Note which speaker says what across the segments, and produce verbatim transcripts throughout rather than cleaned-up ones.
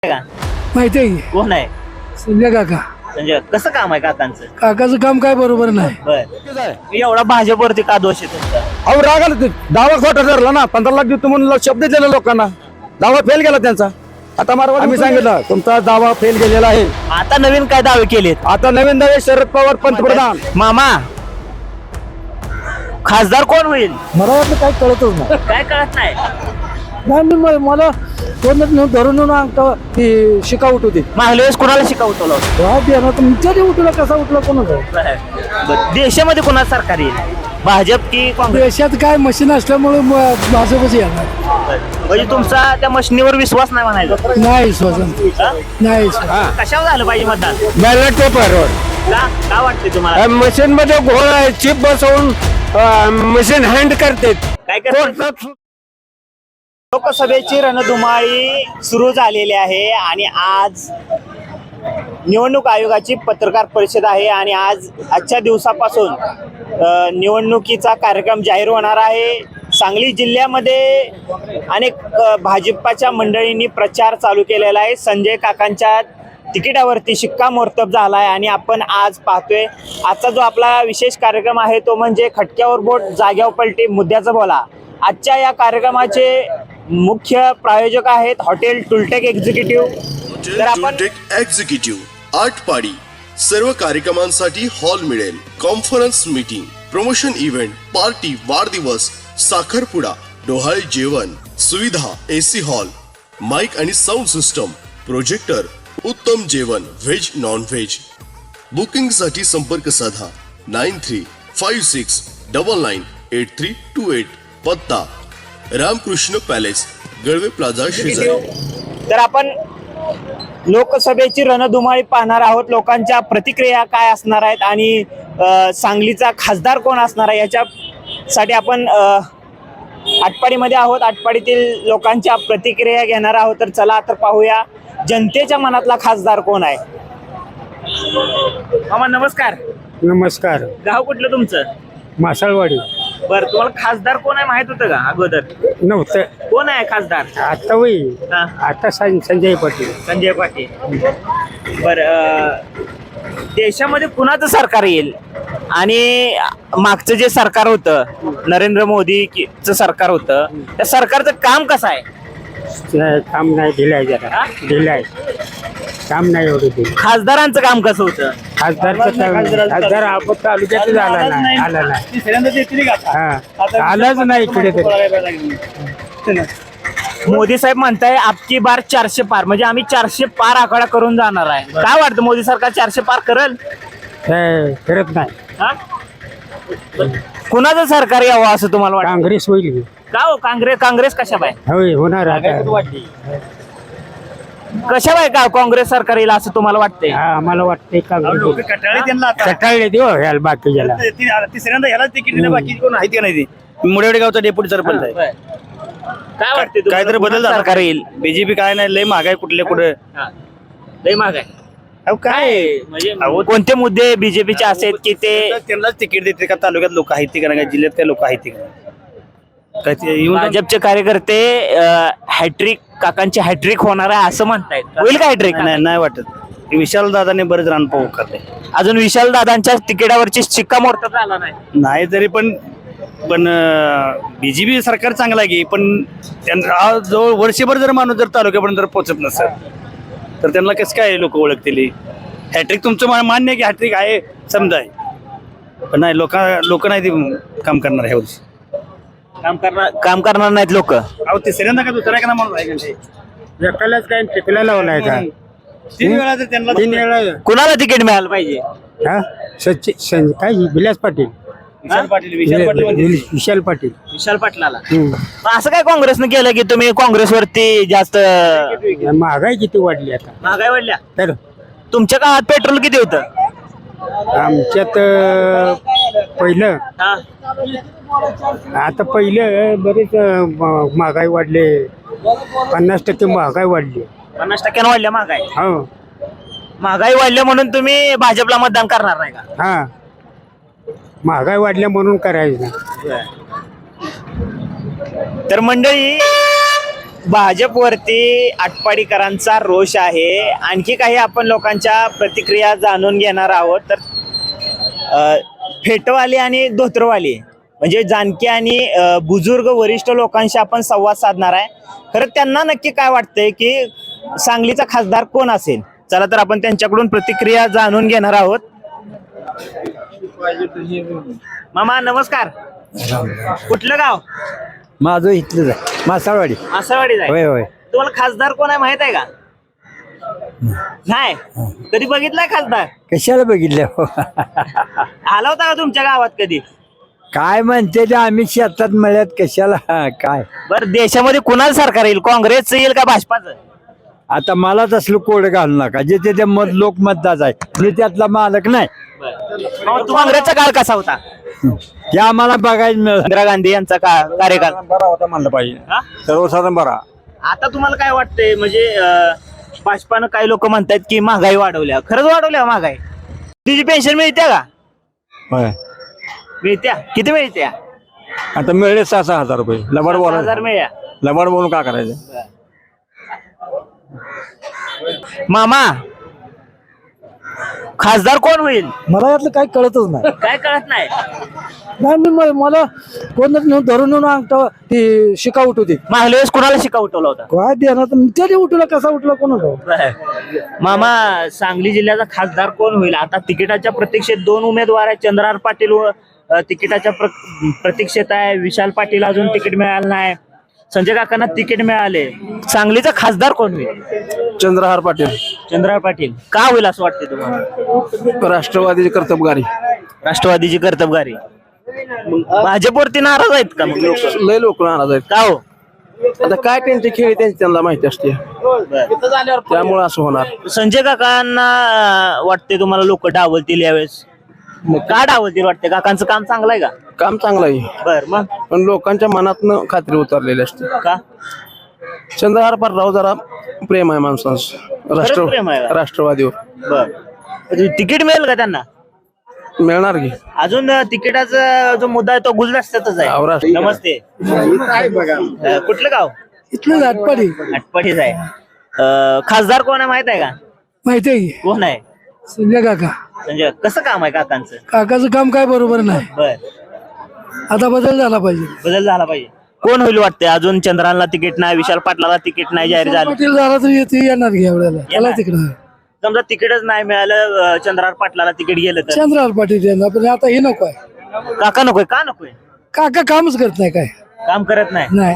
Speaker 1: का
Speaker 2: माहिती आहे की?
Speaker 1: कोण आहे
Speaker 2: संजय काका.
Speaker 1: म्हणजे कसं काम आहे काकांचं?
Speaker 2: काकाचं काम काय बरोबर नाही.
Speaker 1: बर एवढा भाजपवरती का दोष आहे तुमचा?
Speaker 3: अहो राग आला ते दावा खोटा ठरला ना. पंधरा लाख देतो म्हणून शब्द दिलेला लोकांना, दावा फेल गेला त्यांचा. आता मारवा आम्ही सांगितलं तुमचा दावा फेल गेलेला आहे.
Speaker 1: आता नवीन काय दावे केलेत?
Speaker 3: आता नवीन दावे शरद पवार पंतप्रधान.
Speaker 1: मामा खासदार कोण होईल?
Speaker 2: मला वाटलं काय कळतच नाही.
Speaker 1: काय कळत नाही.
Speaker 2: नाही मी म- मला कोण धरून नेऊन अंगठा ती शिका उठवते.
Speaker 1: मागल्या वेळेस कोणाला शिकवतो?
Speaker 2: तुमच्या ते उठला कसा उठला कोणाचा?
Speaker 1: देशामध्ये कोणाचं सरकार येईल, भाजप की काँग्रेस?
Speaker 2: देशात काय मशीन असल्यामुळे म- भाजपच येणार.
Speaker 1: म्हणजे तुमचा त्या मशिनीवर विश्वास नाही म्हणायचा?
Speaker 2: नाही स्वतः
Speaker 1: हा?
Speaker 2: नाही स्वतः.
Speaker 1: कशावर झालं पाहिजे मतदान?
Speaker 3: बॅलेट पेपरवर
Speaker 1: का काय वाटतंय तुम्हाला?
Speaker 3: मशीन मध्ये घोळ आहे, चिप बसवून मशीन हँड करते.
Speaker 1: काय करतात? लोकसभेची रणधुमाळी सुरू झालेली आहे आणि आज निवडणूक आयोगाची पत्रकार परिषद आहे आणि आज आजच्या दिवसापासून अ, निवडणुकीचा कार्यक्रम जाहीर होणार आहे. सांगली जिल्ह्यामध्ये अनेक अ, भाजपाच्या मंडळींनी प्रचार चालू केलेला आहे. संजय काकांच्या तिकिटावरती शिक्कामोर्तब झाला आहे आणि आपण आज पाहतोय आजचा जो आपला विशेष कार्यक्रम आहे तो म्हणजे खटक्यावर बोट जाग्यावर पलटी मुद्द्याचं बोला. आजच्या या कार्यक्रमाचे मुख्य प्रायोजक आहेत हॉटेल टुलटेक एक्झिक्युटिव्ह. तर आपण
Speaker 4: टुलटेक एक्झिक्युटिव्ह आटपाडी सर्व कार्यक्रमांसाठी हॉल मिळेल. Conference meeting, promotion event, party, वाढदिवस, साखरपुडा, डोहाळे जेवण, सुविधा, एसी हॉल, माइक आणि साऊंड सिस्टम, प्रोजेक्टर, उत्तम जेवण व्हेज नॉन व्हेज. बुकिंग साठी संपर्क साधा nine three five six double nine eight three two eight. पत्ता रामकृष्ण पॅलेस, गळवे प्लाझा शेजारी.
Speaker 1: तर आपण लोकसभेची रणधुमाळी पाहणार आहोत. लोकांच्या प्रतिक्रिया काय असणार आहेत आणि अ, सांगलीचा खासदार कोण असणार आहे याच्यासाठी आपण अ, आटपाडीमध्ये आहोत. आटपाडीतील लोकांच्या प्रतिक्रिया घेणार आहोत. तर चला तर पाहूया जनतेच्या मनातला खासदार कोण आहे. मामा नमस्कार.
Speaker 2: नमस्कार.
Speaker 1: गाव कुठलं तुमचं?
Speaker 2: मासाळवाडी.
Speaker 1: बरं तुम्हाला खासदार कोण आहे माहित होतं का अगोदर?
Speaker 2: नव्हतं.
Speaker 1: कोण आहे खासदार?
Speaker 2: आता होई
Speaker 1: हा,
Speaker 2: आता संजय पाटील.
Speaker 1: संजय पाटील. बर देशामध्ये कुणाचं सरकार येईल आणि मागचं जे सरकार होतं नरेंद्र मोदीचं सरकार होतं त्या सरकारचं काम कसं आहे?
Speaker 2: काम नाही दिलाय जरा
Speaker 1: हा?
Speaker 2: दिलाय काम नाही एवढं दिलं.
Speaker 1: खासदारांचं काम कसं होतं?
Speaker 2: खासदारचं खासदार आपण तालुक्यात आला नाही आला नाही हा आलाच नाही इकडे तरी.
Speaker 1: मोदी साहेब म्हणताय आपकी बार चारशे पार, म्हणजे आम्ही चारशे पार आकडा करून जाणार आहे. काय वाटतं मोदी सरकार चारशे पार करेल?
Speaker 2: हे करत नाही.
Speaker 1: हा? कुणाचं सरकार यावं असं तुम्हाला वाटतं?
Speaker 2: काँग्रेस होईल.
Speaker 1: का हो काँग्रेस काँग्रेस कशा बाय
Speaker 2: होय होणार आता.
Speaker 1: कशा बाय का काँग्रेस सरकार येईल असं तुम्हाला वाटतंय?
Speaker 2: हा आम्हाला वाटतंय काँग्रेस कटाळले देऊ ह्याला बाकीच्याला.
Speaker 5: तिसऱ्यांदा ह्याला तिकीट दिलं, बाकी कोण आहे का नाही. ते मुडेवाडी गावचा डेप्युटी सरपंच आहे.
Speaker 1: काय वाटतंय तुम्हाला?
Speaker 5: काहीतरी बदल झाला
Speaker 1: सरकार येईल?
Speaker 5: बीजेपी काय नाही, लय महागाय कुठले कुठे.
Speaker 1: हा. लय महाग आहे.
Speaker 5: अहो काय
Speaker 1: म्हणजे कोणते मुद्दे बीजेपीचे असे आहेत की ते
Speaker 5: त्यांनाच तिकीट देते का? तालुक्यात लोक आहेत का नाही, जिल्ह्यात काय लोक आहेत का नाही? काय ते येऊन
Speaker 1: भाजपचे कार्यकर्ते हॅट्रिक काकांची हॅट्रिक होणार आहे असं म्हणतायत. होईल का हॅट्रिक?
Speaker 5: नाही नाही वाटत. विशाल दादाने बरेच रान पाहू करते.
Speaker 1: अजून विशाल दादांच्या तिकिटावरची शिक्कामोर्तब झाला नाही.
Speaker 5: नाही तरी पण पण बीजेपी सरकार चांगलं आहे की, पण त्यांना आज जवळ वर्षभर जर माणूस जर तालुक्यापर्यंत जर पोहोचत नसेल तर त्यांना कसं काय लोक ओळखतील? हॅट्रिक तुमचं मा- मान्य आहे की हॅट्रिक आहे समजा आहे, पण नाही लोक लोक नाही ते काम करणार ह्या वर्षी.
Speaker 1: काम करणार काम करणार नाहीत लोक.
Speaker 5: अहो तिसऱ्यांदा का दुसऱ्या का म्हणून आहे का ते?
Speaker 2: एकालाच काय टिकला लावलाय का?
Speaker 5: तीन वेळा जर त्यांना
Speaker 2: तीन वेळा
Speaker 1: कुणाला तिकीट मिळालं पाहिजे?
Speaker 2: हा सचिन सं- काय विलास पाटील.
Speaker 5: विशाल पाटील विशाल पाटील म्हणते.
Speaker 2: विशाल पाटील.
Speaker 1: विशाल पाटलाला.
Speaker 2: हम्म.
Speaker 1: मग असं काय काँग्रेसनं केलं की तुम्ही काँग्रेसवरती जास्त
Speaker 2: महागाई किती वाढली आता
Speaker 1: महागाई वाढल्या?
Speaker 2: तर
Speaker 1: तुमच्या काळात पेट्रोल किती होतं?
Speaker 2: आमच्यात अं, पहिलं
Speaker 1: हा?
Speaker 2: आता पहिलं बरेच अं, म- महागाई वाढले. पन्नास टक्के महागाई वाढली.
Speaker 1: पन्नास टक्क्यानं वाढल्या महागाई.
Speaker 2: हो
Speaker 1: महागाई वाढल्या म्हणून तुम्ही भाजपला मतदान करणार नाही का?
Speaker 2: हा महागाई वाढल्या म्हणून करायचं.
Speaker 1: तर मंडळी भाजपवरती आटपाडीकरांचा रोष आहे. आणखी काही आपण लोकांच्या प्रतिक्रिया जाणून घेणार आहोत. तर अ, फेटवाले आणि धोत्रवाले म्हणजे जानकी आणि अ, बुजुर्ग वरिष्ठ लोकांशी आपण संवाद साधणार आहे. खरं त्यांना नक्की काय वाटतंय की सांगलीचा खासदार कोण असेल. चला तर आपण त्यांच्याकडून प्रतिक्रिया जाणून घेणार आहोत. मामा नमस्कार. कुठलं गाव?
Speaker 2: माझं इथलंच आहे, मासाळवाडी.
Speaker 1: आसावाडी जाय.
Speaker 2: होय होय.
Speaker 1: तुम्हाला खासदार कोण आहे माहित आहे का? नाही कधी बघितलाय खासदार?
Speaker 2: कशाला बघितलं
Speaker 1: आला होता का तुमच्या गावात कधी?
Speaker 2: काय म्हणते ते आम्ही शेतात मळ्यात कशाला हा, काय
Speaker 1: बरं देशामध्ये कुणाचं सरकार येईल? काँग्रेसचं येईल का भाजपाचं?
Speaker 2: आता मला तसलं कोड घालू नका. जे ते मत लोक मतदाच आहे, मी त्यातला मालक नाही.
Speaker 1: काँग्रेसचा काळ कसा होता?
Speaker 2: हे आम्हाला बघायला मिळत.
Speaker 1: इंदिरा गांधी यांचा का- कार्यकाल
Speaker 3: बरा होता म्हणलं पाहिजे,
Speaker 1: हा?
Speaker 3: सर्वसाधारण बरा.
Speaker 1: आता तुम्हाला काय वाटतंय? म्हणजे अं, भाजपानं काही लोक म्हणतात की महागाई वाढवल्या. खरंच वाढवल्या महागाई? तुझी पेन्शन मिळते का?
Speaker 3: होय.
Speaker 1: मिळत्या? किती मिळत्या?
Speaker 3: आता मिळले सहा सहा हजार रुपये. लबाड
Speaker 1: सहा हजार
Speaker 3: बोला,
Speaker 1: मिळ्या.
Speaker 3: लबाड बोलून का करायचं?
Speaker 1: मामा खासदार कोण होईल?
Speaker 2: मला यातलं काही कळतच नाही.
Speaker 1: काय कळत नाही.
Speaker 2: नाही मी म- मला कोण धरून नेऊन अंगठा ती शिका उठवते.
Speaker 1: मागल्या वेळेस कुणाला शिका उठवला होता?
Speaker 2: काय देणार त्याने उठवला कसा उठला कोण होता?
Speaker 1: मामा सांगली जिल्ह्याचा खासदार कोण होईल? आता तिकिटाच्या प्रतीक्षेत दोन उमेदवार आहेत. चंद्रहार पाटील व अ, तिकिटाच्या प्र- प्रतीक्षेत आहे. विशाल पाटील अजून तिकीट मिळालं नाही. संजय काकांना तिकीट मिळाले. सांगलीचा खासदार कोण होईल?
Speaker 3: चंद्रहार पाटील,
Speaker 1: चंद्रहार पाटील. का होईल असं वाटते तुम्हाला?
Speaker 3: राष्ट्रवादीची कर्तबगारी.
Speaker 1: राष्ट्रवादीची कर्तबगारी. मग भाजपवरती नाराज आहेत का मग लोक?
Speaker 3: लय लोक नाराज आहेत.
Speaker 1: का हो?
Speaker 3: आता काय त्यांचे खेळ त्यांची त्यांना माहिती असते, त्यामुळे असं होणार.
Speaker 1: संजय काकांना अं, वाटते तुम्हाला लोक डावलतील यावेळेस? का डावलतील वाटते? काकांचं काम चांगलं आहे का?
Speaker 3: काम चांगलं आहे,
Speaker 1: बर मग
Speaker 3: पण लोकांच्या मनातनं खात्री उतरलेली असते.
Speaker 1: का?
Speaker 3: चंद्रहार पाटलावर जरा प्रेम आहे माणसांचं, राष्ट्र
Speaker 1: प्रेम आहे का?
Speaker 3: राष्ट्रवादीवर.
Speaker 1: बर तिकीट मिळेल का त्यांना?
Speaker 3: मिळणार की.
Speaker 1: अजून अं, तिकिटाचा जो मुद्दा आहे तो गुलदस्त्यातच आहे.
Speaker 3: अहो, राष्ट्र-
Speaker 1: नमस्ते. अं, कुठलं गाव?
Speaker 2: इथलं आटपाडी
Speaker 1: आटपाडीच आहे. अं, खासदार कोण आहे माहित आहे का?
Speaker 2: माहिती आहे की
Speaker 1: कोण आहे?
Speaker 2: संजय काका.
Speaker 1: म्हणजे कसं काम आहे काकांचं?
Speaker 2: काकाचं काम काय बरोबर नाही.
Speaker 1: बर
Speaker 2: आता बदल झाला पाहिजे.
Speaker 1: बदल झाला पाहिजे. कोण होईल वाटते? अजून चंद्राला तिकीट नाही, विशाल पाटलाला तिकीट नाही जाहीर झालं.
Speaker 2: पाटील झाला तर येते येणार घ्या एवढ्याला त्याला
Speaker 1: येणार.
Speaker 2: तिकडं
Speaker 1: समजा तिकीटच नाही मिळालं, अं, चंद्रार पाटलाला तिकीट गेलं तर
Speaker 2: चंद्रार पाटील येणार, पण आता हे नको आहे.
Speaker 1: काका नकोय? का नकोय?
Speaker 2: काका कामच करत नाही काय
Speaker 1: काम करत नाही.
Speaker 2: नाही.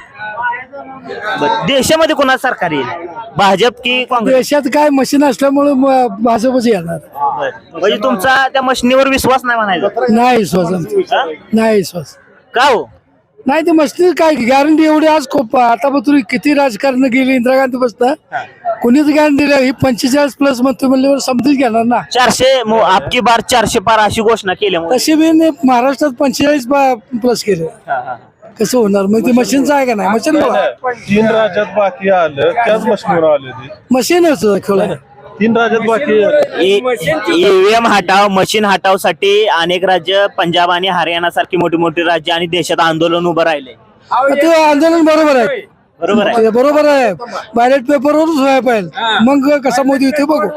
Speaker 1: बरं. देशामध्ये कोणाचं सरकार येईल? भाजप की काँग्रेस?
Speaker 2: देशात काय मशीन असल्यामुळे म- भाजपच येणार.
Speaker 1: बरं. म्हणजे तुमचा त्या मशिनीवर विश्वास नाही म्हणायचा?
Speaker 2: नाही विश्वास आमचा.
Speaker 1: हा?
Speaker 2: नाही विश्वास.
Speaker 1: का हो?
Speaker 2: नाही ते मशीन काय गॅरंटी एवढी आज खूप आता पण तुम्ही किती राजकारण गेली इंदिरा गांधी बसता कोणीच गॅरंटी दिली ही पंचेचाळीस प्लस म्हणतो म्हणल्यावर समजून घेणार ना.
Speaker 1: चारशे मो- आपकी बार चारशे पार अशी घोषणा केली.
Speaker 2: तशी बी नाही, महाराष्ट्रात पंचेचाळीस प्लस केले. कसं होणार मग ते मशीनचं आहे का नाही? मशीन
Speaker 6: तीन राज्यात बाकी आलं त्याच मशीनवर आले ते
Speaker 2: मशीनच खेळ.
Speaker 6: तीन राज्यात बाकी
Speaker 1: ईव्हीएम हटाव, मशीन हटाव साठी अनेक राज्य, पंजाब आणि हरियाणा सारखी मोठी मोठी राज्य आणि देशात आंदोलन उभं राहिले.
Speaker 2: ते आंदोलन बरोबर आहे.
Speaker 1: बरोबर आहे.
Speaker 2: ते बरोबर आहे. बॅलेट पेपरवरच व्हायला पाहिजे, मग कसा मोदी होते बघू.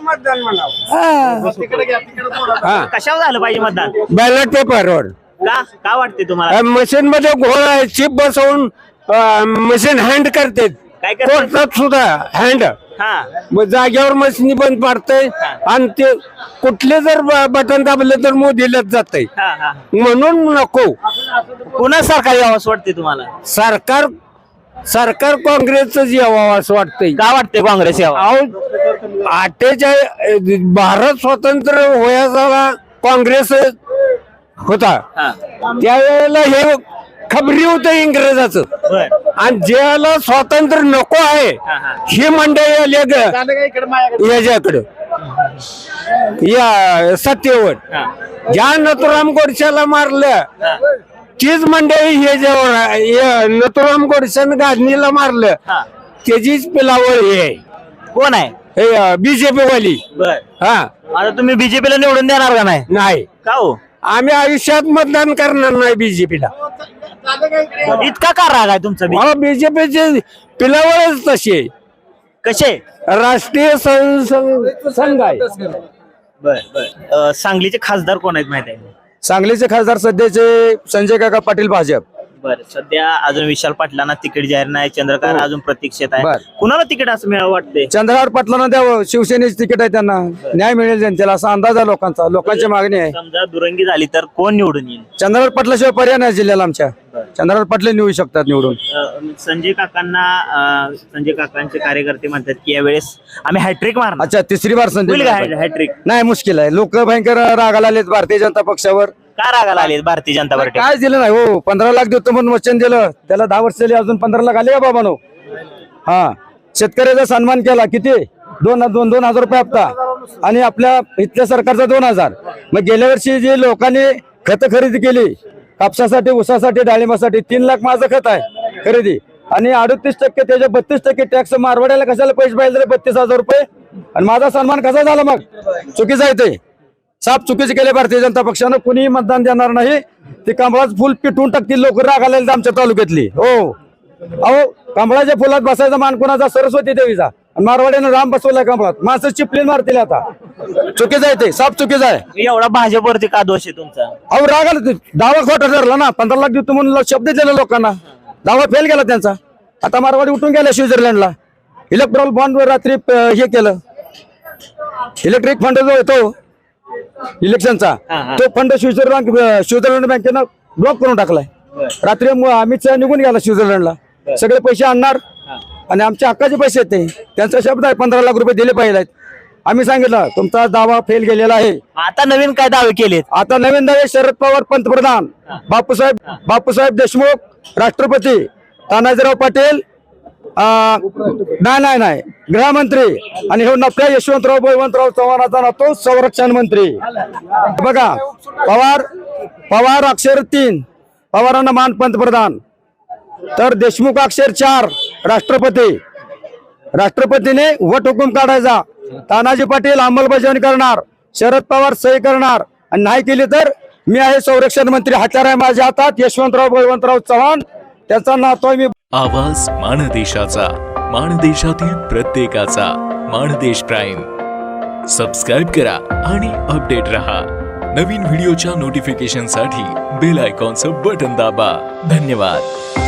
Speaker 2: हा.
Speaker 1: कशावर झालं पाहिजे मतदान?
Speaker 3: बॅलेट पेपरवर
Speaker 1: का का वाटते तुम्हाला?
Speaker 3: मशीन मध्ये घोळ आहे, चिप बसवून मशीन हँड करते.
Speaker 1: काय करते?
Speaker 3: कोर्टात सुद्धा हँड
Speaker 1: हा
Speaker 3: मग जागेवर मशीन बंद पडतंय आणि ते कुठले जर बटन दाबले तर मोदीलाच जातंय.
Speaker 1: हा हा.
Speaker 3: म्हणून नको
Speaker 1: पुन्हा सरकार यावं असं वाटते तुम्हाला?
Speaker 3: सरकार सरकार काँग्रेसच यावं असं वाटतंय.
Speaker 1: का वाटते काँग्रेस यावं?
Speaker 3: अहो अठ्ठेचाळीस भारत स्वतंत्र होयाचा काँग्रेस होता,
Speaker 1: हा.
Speaker 3: त्यावेळेला हे खबरी होतं इंग्रजाचं.
Speaker 1: बर.
Speaker 3: आणि ज्याला स्वातंत्र्य नको आहे
Speaker 1: हा, हा.
Speaker 3: ही मंडळी आली याच्याकडं या सत्तेवर.
Speaker 1: हा.
Speaker 3: ज्या नथुराम गोडशाला मारलं
Speaker 1: हा.
Speaker 3: तीच मंडळी हे जेव्हा नथुराम गोडशानं गाजनीला मारलं
Speaker 1: हा.
Speaker 3: त्याचीच पिलावळ हे आहे,
Speaker 1: कोण आहे?
Speaker 3: हे बीजेपी वाली.
Speaker 1: बर.
Speaker 3: हा
Speaker 1: आता तुम्ही बीजेपीला निवडून देणार का नाही?
Speaker 3: नाही
Speaker 1: का हो?
Speaker 3: आम्ही आयुष्यात मतदान करणार नाही बीजेपीला.
Speaker 1: इतका का राग आहे तुमचा बी-
Speaker 3: मला बीजेपीचे पिलावळच तशी आहे.
Speaker 1: कसे
Speaker 3: राष्ट्रीय सं- सं- संघ आहे.
Speaker 1: बर बर अ, सांगलीचे खासदार कोण आहेत माहिती आहे
Speaker 3: सांगलीचे खासदार सध्याचे संजय काका पाटील भाजप.
Speaker 1: बर सध्या अजून विशाल पाटलांना तिकीट जाहीर नाही चंद्रकांत अजून प्रतीक्षेत आहे
Speaker 3: बर.
Speaker 1: कुणाला तिकीट असं मिळावं वाटतंय
Speaker 3: चंद्रहार पाटलांना द्यावं, शिवसेनेचे तिकीट आहे त्यांना, न्याय मिळेल जनतेला असा अंदाज आहे लोकांचा. लोकांची मागणी आहे.
Speaker 1: समजा दुरंगी झाली तर कोण निवडून येईल
Speaker 3: चंद्रहार पाटलाशिवाय पर्याय नाही जिल्ह्याला आमच्या. चंद्रहार पाटले निवडू शकतात निवडून.
Speaker 1: अ, संजय काकांना अ, संजय काकांचे कार्यकर्ते म्हणतात की यावेळेस आम्ही हॅट्रिक मारणार
Speaker 3: अच्छा तिसरी बार संधी
Speaker 1: होईल का हॅट्रिक
Speaker 3: नाही, मुश्किल आहे. लोक भयंकर रागाला आलेत भारतीय जनता पक्षावर.
Speaker 1: का रागाला आले भारतीय जनता पार्टी
Speaker 3: काय दिलं नाही हो. पंधरा लाख देतो म्हणून वचन दिलं, त्याला दहा वर्ष झाली, अजून पंधरा लाख आले का बाबानो? हा, शेतकऱ्याचा सन्मान केला. किती? दोन दोन दोन हजार रुपये हप्ता आणि आपल्या इथल्या सरकारचा दोन हजार. मग गेल्या वर्षी जे लोकांनी खत खरेदी केली कापसासाठी, ऊसासाठी, डाळिंबासाठी, तीन लाख माझं खत आहे खरेदी आणि अडतीस टक्के त्याच्या बत्तीस टक्के टॅक्स मारवाड्याला कशाला पैसे पाहिजे बत्तीस हजार रुपये आणि माझा सन्मान कसा झाला? मग चुकीचं आहे ते. साफ चुकीचे केले भारतीय जनता पक्षानं. कुणीही मतदान देणार नाही. ते कमळाचं फुल पिटून टाकतील लोक रागाला आमच्या तालुक्यातली. हो अहो, कमळाच्या फुलात बसायचा मान कोणाचा? सरस्वती देवीचा. आणि मारवाड्यानं राम बसवलाय कमळात. माणसं चिपलीन मारतील आता. चुकीचं आहे ते, साफ चुकीचं आहे.
Speaker 1: एवढा भाजपवरती का दोष आहे तुमचा
Speaker 3: अहो रागाला ते दावा खोटा ठरला ना. पंधरा लाख देतो म्हणून शब्द दिला लोकांना, दावा फेल गेला त्यांचा. आता मारवाडी उठून गेला स्वित्झर्लंडला. इलेक्ट्रॉल बॉन्ड रात्री अं, हे केलं. इलेक्ट्रिक फंड जो येतो इलेक्शनचा, तो फंड स्वित्झर्लंड स्वित्झर्लंड बँकेनं ब्लॉक करून टाकलाय. रात्री मु- अमित शहा निघून गेला स्वित्झर्लंडला. सगळे पैसे आणणार आणि आमच्या हक्काचे पैसे आहेत ते. त्यांचा शब्द आहे पंधरा लाख रुपये दिले पाहिजे. आम्ही सांगितलं तुमचा दावा फेल गेलेला आहे.
Speaker 1: आता नवीन काय दावे केलेत?
Speaker 3: आता नवीन दावे शरद पवार पंतप्रधान, बापूसाहेब बापूसाहेब देशमुख राष्ट्रपती, तानाजीराव पाटील अं, नाही नाही नाही गृहमंत्री आणि हे नफ्या यशवंतराव बळवंतराव चव्हाणाचा नातो संरक्षण मंत्री. बघा पवार पवार अक्षर तीन, पवारांना मान पंतप्रधान, तर देशमुख अक्षर चार राष्ट्रपती. राष्ट्रपतीने वट हुकूम काढायचा, तानाजी पाटील अंमलबजावणी करणार, शरद पवार सही करणार आणि नाही केली तर मी आहे संरक्षण मंत्री. हत्यार आहे माझ्या हातात यशवंतराव बळवंतराव चव्हाण, त्याचा नातो मी.
Speaker 7: आवाज माणदेशाचा, माणदेशातील प्रत्येकाचा. माणदेश प्राईम सबस्क्राईब करा आणि अपडेट रहा. नवीन व्हिडिओच्या नोटिफिकेशनसाठी बेल आयकॉनचं बटन दाबा. धन्यवाद.